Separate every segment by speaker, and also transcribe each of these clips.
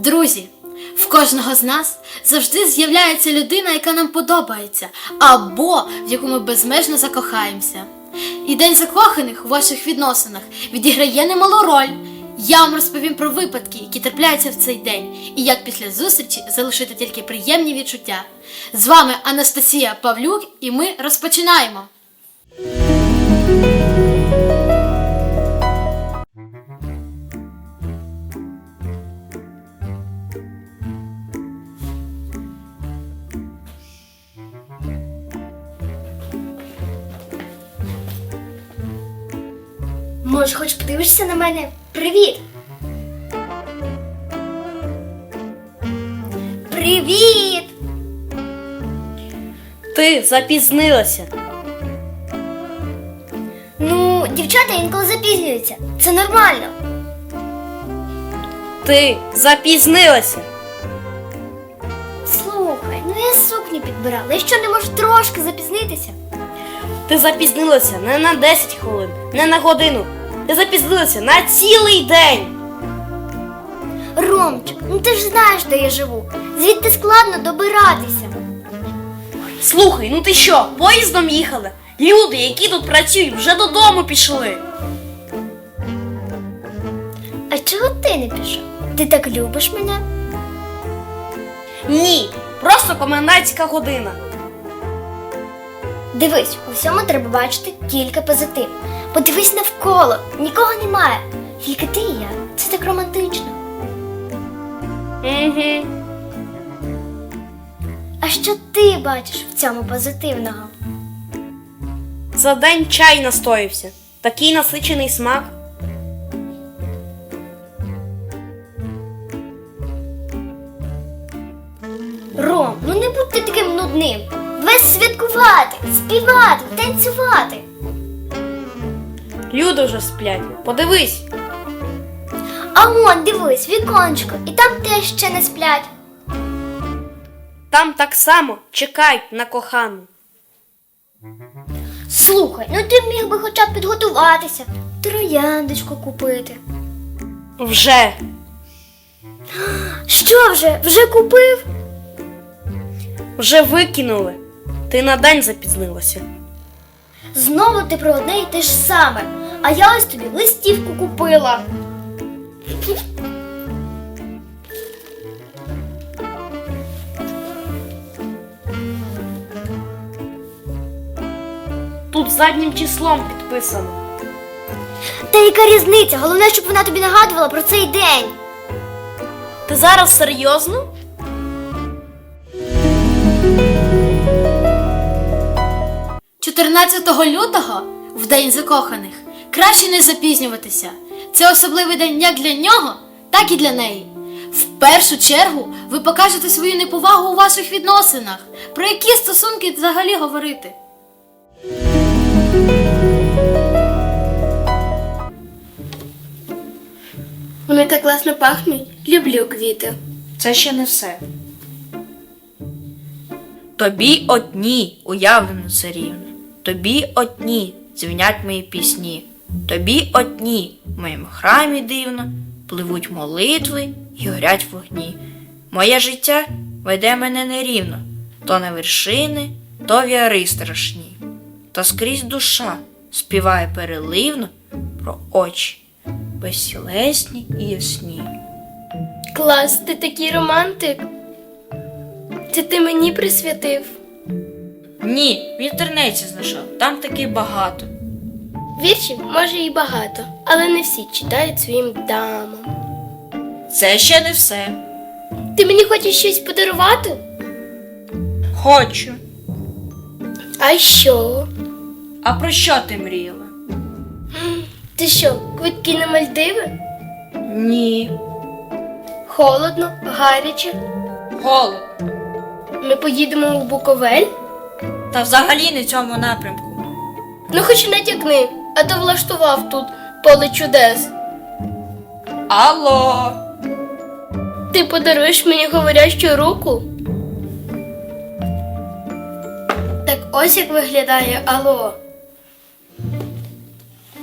Speaker 1: Друзі, в кожного з нас завжди з'являється людина, яка нам подобається, або в яку ми безмежно закохаємося. І День закоханих у ваших відносинах відіграє немалу роль. Я вам розповім про випадки, які трапляються в цей день, і як після зустрічі залишити тільки приємні відчуття. З вами Анастасія Павлюк, і ми розпочинаємо!
Speaker 2: Може, хоч подивишся на мене? Привіт! Привіт!
Speaker 3: Ти запізнилася.
Speaker 2: Ну, дівчата інколи запізнюються. Це нормально.
Speaker 3: Ти запізнилася.
Speaker 2: Слухай, ну я сукню підбирала. Я що, не можу трошки запізнитися?
Speaker 3: Ти запізнилася не на 10 хвилин, не на годину. Ти запізнилася на цілий день.
Speaker 2: Ромчик, ну ти ж знаєш, де я живу. Звідти складно добиратися.
Speaker 3: Слухай, ну ти що, поїздом їхала? Люди, які тут працюють, вже додому пішли.
Speaker 2: А чого ти не пішов? Ти так любиш мене?
Speaker 3: Ні, просто комендантська година.
Speaker 2: Дивись, у всьому треба бачити тільки позитив. Подивись навколо, нікого немає. Тільки ти і я. Це так романтично.
Speaker 3: Угу.
Speaker 2: А що ти бачиш в цьому позитивного?
Speaker 3: За день чай настоївся. Такий насичений смак.
Speaker 2: Ром, ну не будь ти таким нудним. Давай святкувати, співати, танцювати.
Speaker 3: Люди вже сплять. Подивись.
Speaker 2: А вон, дивись, віконечко, і там теж ще не сплять.
Speaker 3: Там так само чекають на кохану.
Speaker 2: Слухай, ну ти міг би хоча б підготуватися, трояндочку купити.
Speaker 3: Вже.
Speaker 2: Що вже? Вже купив?
Speaker 3: Вже викинули. Ти на день запізнилася.
Speaker 2: Знову ти про одне й те ж саме. А я ось тобі листівку купила.
Speaker 3: Тут заднім числом підписано.
Speaker 2: Та яка різниця? Головне, щоб вона тобі нагадувала про цей день.
Speaker 3: Ти зараз серйозно?
Speaker 1: – 14 лютого, в День закоханих, краще не запізнюватися. Це особливий день як для нього, так і для неї. В першу чергу ви покажете свою неповагу у ваших відносинах. Про які стосунки взагалі говорити?
Speaker 4: Вони так класно пахнуть. Люблю квіти.
Speaker 3: Це ще не все. Тобі одні уявлено це рівно. Тобі одні дзвінять мої пісні. Тобі одні в моєму храмі дивно пливуть молитви і горять вогні. Моє життя веде мене нерівно, то на вершини, то в яри страшні. Та скрізь душа співає переливно про очі безцілесні і ясні.
Speaker 4: Клас, ти такий романтик. Це ти мені присвятив.
Speaker 3: Ні, в інтернеті знайшов, там таки багато.
Speaker 4: Віршів може і багато, але не всі читають своїм дамам.
Speaker 3: Це ще не все.
Speaker 4: Ти мені хочеш щось подарувати?
Speaker 3: Хочу.
Speaker 4: А що?
Speaker 3: А про що ти мріяла?
Speaker 4: Ти що, квитки на Мальдиви?
Speaker 3: Ні.
Speaker 4: Холодно, гаряче.
Speaker 3: Голод.
Speaker 4: Ми поїдемо у Буковель?
Speaker 3: Та взагалі не в цьому напрямку.
Speaker 4: Ну хоч натякни, а то влаштував тут поле чудес.
Speaker 3: Алло.
Speaker 4: Ти подаруєш мені говорящу руку? Так ось як виглядає Алло.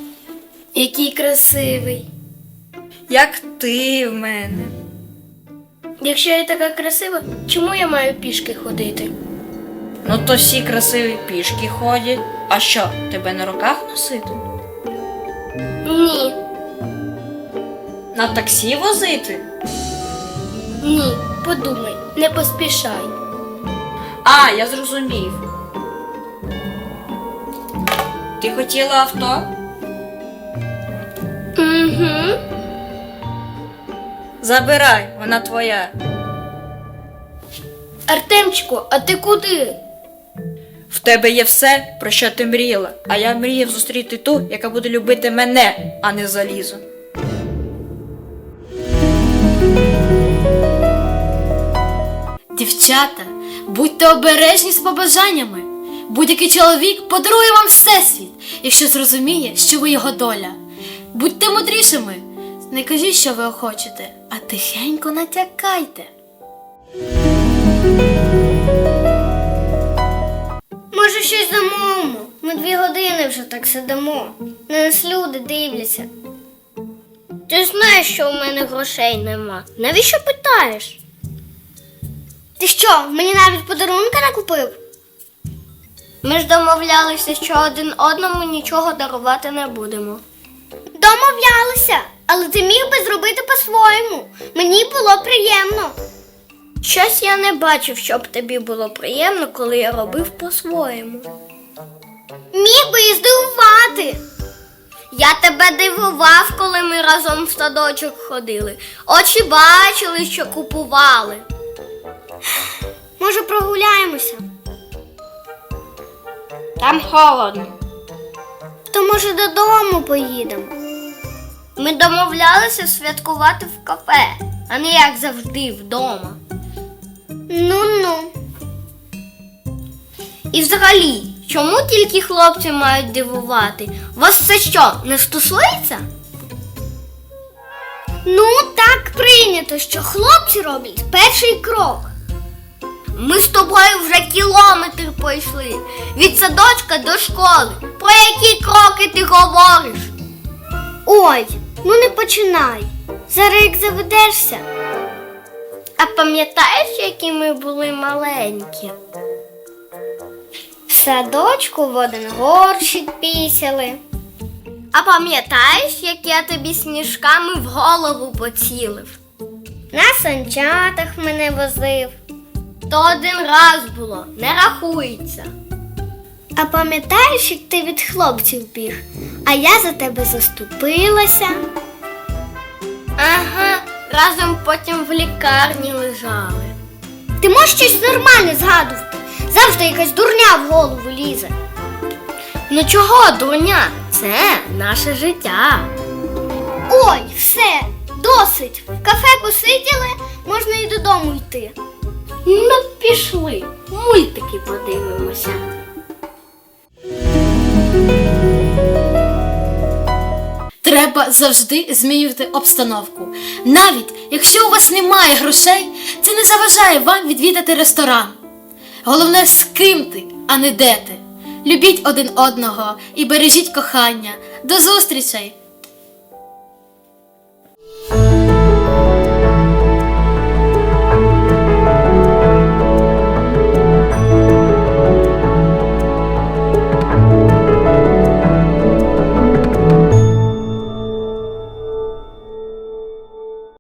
Speaker 4: Який красивий.
Speaker 3: Як ти в мене.
Speaker 4: Якщо я така красива, чому я маю пішки ходити?
Speaker 3: Ну то всі красиві пішки ходять. А що, тебе на руках носити?
Speaker 4: Ні,
Speaker 3: На таксі возити?
Speaker 4: ні, подумай, не поспішай.
Speaker 3: А, я зрозумів. Ти хотіла авто?
Speaker 4: Угу.
Speaker 3: Забирай, вона твоя.
Speaker 4: Артемчику, а ти куди?
Speaker 3: В тебе є все, про що ти мріяла, а я мріяв зустріти ту, яка буде любити мене, а не залізо.
Speaker 1: Дівчата, будьте обережні з побажаннями. Будь-який чоловік подарує вам всесвіт, якщо зрозуміє, що ви його доля. Будьте мудрішими. Не кажіть, що ви хочете, а тихенько натякайте.
Speaker 2: Може, щось замовимо? Ми 2 години вже так сидимо. На нас люди дивляться. Ти знаєш, що у мене грошей нема. Навіщо питаєш? Ти що, мені навіть подарунка не купив? Ми ж домовлялися, що один одному нічого дарувати не будемо. Домовлялися, але ти міг би зробити по-своєму. Мені було приємно. Щось я не бачив, щоб тобі було приємно, коли я робив по-своєму. Міг би і здивувати. Я тебе дивував, коли ми разом в садочок ходили. Очі бачили, що купували. Може, прогуляємося? Там холодно. То може додому поїдемо? Ми домовлялися святкувати в кафе, а не як завжди вдома. Ну-ну. І взагалі, чому тільки хлопці мають дивувати? Вас це що, не стосується? Ну, так прийнято, що хлопці роблять перший крок. Ми з тобою вже кілометр пройшли. Від садочка до школи. Про які кроки ти говориш? Ой, ну не починай. Зараз як заведешся. А пам'ятаєш, які ми були маленькі? В садочку в один горщик пісяли. А пам'ятаєш, як я тобі сніжками в голову поцілив? На санчатах мене возив. То один раз було, не рахується. А пам'ятаєш, як ти від хлопців біг, а я за тебе заступилася? Ага, разом потім в лікарні лежали. Ти можеш щось нормальне згадувати? Завжди якась дурня в голову лізе. Ну чого дурня? Це наше життя. Ой, все, досить. В кафе посиділи, можна і додому йти. Ну, пішли, мультики подивимося.
Speaker 1: Треба завжди змінювати обстановку. Навіть якщо у вас немає грошей, це не заважає вам відвідати ресторан. Головне, з ким ти, а не де ти. Любіть один одного і бережіть кохання. До зустрічей!